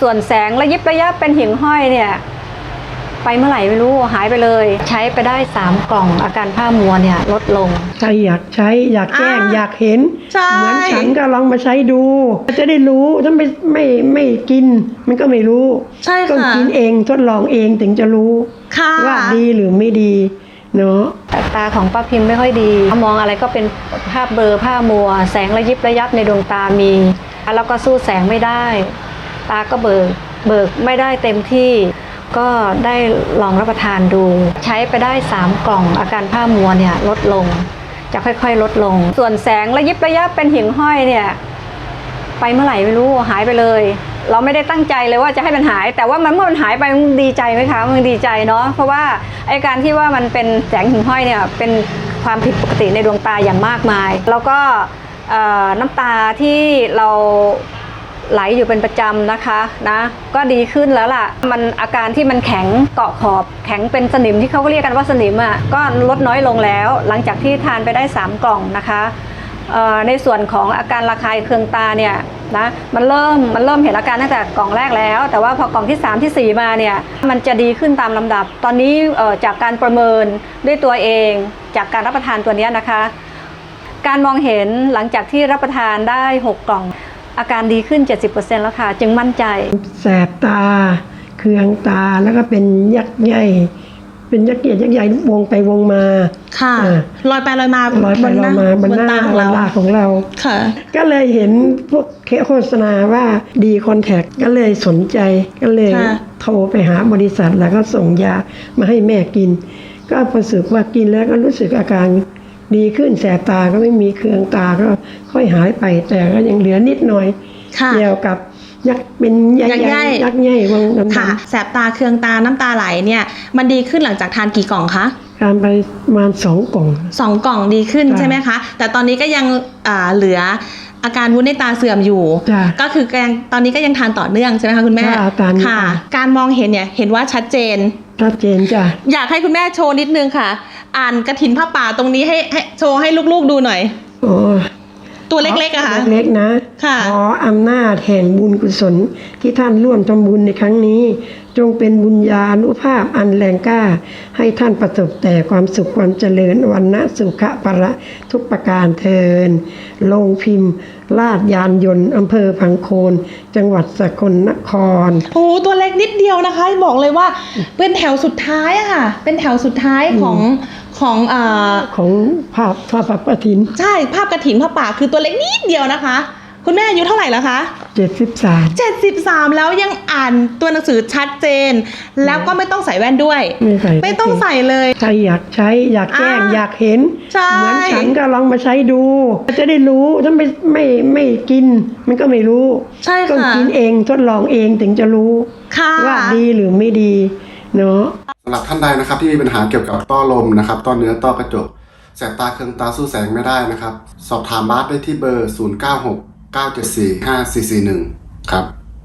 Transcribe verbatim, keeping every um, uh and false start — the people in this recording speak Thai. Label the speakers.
Speaker 1: ส่วนแสงระยิบระยับเป็นหิ่งห้อยเนี่ยไปเมื่อไหร่ไม่รู้หายไปเลยใช้ไปได้สามกล่องอาการผ้ามัวเนี่ยลดลง
Speaker 2: ใครอยากใช้อยากแจ้งอยากเห็นเหมือนฉันก็ลองมาใช้ดูจะได้รู้ถ้าไม่ไม่ไม่กินมันก็ไม่รู้ต้องกินเองทดลองเองถึงจะรู้ว่าดีหรือไม่ดีเนาะ
Speaker 1: ตาของป้าพิมพ์ไม่ค่อยดีมองอะไรก็เป็นภาพเบลอผ้ามัวแสงระยิบระยับในดวงตามีแล้วก็สู้แสงไม่ได้ตาก็เบิกเบิกไม่ได้เต็มที่ก็ได้ลองรับประทานดูใช้ไปได้สามกล่องอาการผ้ามัวเนี่ยลดลงจะค่อยๆลดลงส่วนแสงระยิบระยับเป็นหิ่งห้อยเนี่ยไปเมื่อไหร่ไม่รู้หายไปเลยเราไม่ได้ตั้งใจเลยว่าจะให้มันหายแต่ว่ามันเมื่อมันหายไปมันดีใจไหมคะมันดีใจเนาะเพราะว่าไอ้การที่ว่ามันเป็นแสงหิ่งห้อยเนี่ยเป็นความผิดปกติในดวงตาอย่างมากมายแล้วก็น้ำตาที่เราไหลอยู่เป็นประจำนะคะนะก็ดีขึ้นแล้วล่ะมันอาการที่มันแข็งเกาะขอบแข็งเป็นสนิมที่เขาก็เรียกกันว่าสนิมอ่ะก็ลดน้อยลงแล้วหลังจากที่ทานไปได้สามกล่องนะคะในส่วนของอาการระคายเคืองตาเนี่ยนะมันเริ่มมันเริ่มเห็นอาการตั้งแต่กล่องแรกแล้วแต่ว่าพอกล่องที่สามที่สี่มาเนี่ยมันจะดีขึ้นตามลำดับตอนนี้จากการประเมินด้วยตัวเองจากการรับประทานตัวนี้นะคะการมองเห็นหลังจากที่รับประทานได้หกกล่องอาการดีขึ้น เจ็ดสิบเปอร์เซ็นต์ แล้วค่ะจึงมั่นใจ
Speaker 2: แสบตาเคืองตาแล้วก็เป็นยักษ์ใหญ่เป็นยักษ์ใหญ่ยักษ์ใหญ่วงไปวงมา
Speaker 3: ค่ะลอยไปลอยมา
Speaker 2: ลอยไปลอยมาบนหน้าของเราของเราค่ะก็เลยเห็นพวกโฆษณาว่าดีคอนแทคก็เลยสนใจก็เลยโทรไปหาบริษัทแล้วก็ส่งยามาให้แม่กินก็ประสึกว่ากินแล้วก็รู้สึกอาการดีขึ้นแสบตาก็ไม่มีเคืองตาก็ค่อยหายไปแต่ก็ยังเหลือนิดหน่อยเกี่ยวกับยักเป็นยักษ์ใหญ่ยักษ์ใหญ่วงดำๆ
Speaker 3: ค่ะแสบตาเคืองตาน้ำตาไหลเนี่ยมันดีขึ้นหลังจากทานกี่กล่องคะ
Speaker 2: ทานไปประมาณสองกล่อง
Speaker 3: สองกล่องดีขึ้นใช่ไหมคะแต่ตอนนี้ก็ยังเหลืออาการวุ้นในตาเสื่อมอยู่ก็คือตอนนี้ก็ยังทานต่อเนื่องใช่ไหมคะคุณแม่ค่ะการมองเห็นเนี่ยเห็นว่าชัดเจน
Speaker 2: ชัดเจนจ้ะ
Speaker 3: อยากให้คุณแม่โชว์นิดนึงค่ะอ่านกฐินผ้าป่าตรงนี้ให้ให้โชว์ให้ลูกๆดูหน่อย
Speaker 2: โอ้
Speaker 3: ตัวเล็กๆอะค่ะ
Speaker 2: เล็กๆนะขออำนาจแห่งบุญกุศลที่ท่านร่วมทำบุญในครั้งนี้จงเป็นบุญญานุภาพอันแรงกล้าให้ท่านประสบแต่ความสุขความเจริญวรรณะสุขะปะทุกประการเทินลงพิมพ์ลาดยานยนต์อำเภอพังโคนจังหวัดสกลนคร
Speaker 3: โอ้ตัวเล็กนิดเดียวนะคะบอกเลยว่าเป็นแถวสุดท้ายอะค่ะเป็นแถวสุดท้ายของของอ่า
Speaker 2: ของภาพภาพกฐิน
Speaker 3: ใช่ภาพกฐินผ้าป่าคือตัวเล็กนิดเดียวนะคะคุณแม่อายุเท่าไหร่แล้วคะ
Speaker 2: เจ็ดสิบสาม
Speaker 3: เจ็ดสิบสามแล้วยังอ่านตัวหนังสือชัดเจนแล้วก็ไม่ต้องใส่แว่นด้วย
Speaker 2: ไม่ใส่
Speaker 3: ไม่ต้องใส่เลย
Speaker 2: ใครอยากใช้อยากแจ้งอยากเห็นเหมือนฉันก็ลองมาใช้ดูจะได้รู้ถ้าไม่ไม่ไม่กินมันก็ไม่รู้ต้องกินเองทดลองเองถึงจะรู้ว่าดีหรือไม่ดีเนาะ
Speaker 4: สำหรับท่านใดนะครับที่มีปัญหาเกี่ยวกับต้อลมนะครับต้อเนื้อต้อกระจกแสบตาเคืองตาสู้แสงไม่ได้นะครับสอบถามบาสได้ที่เบอร์ศูนย์ เก้า หก เก้า เจ็ด สี่ ห้า สี่ สี่ หนึ่งครับ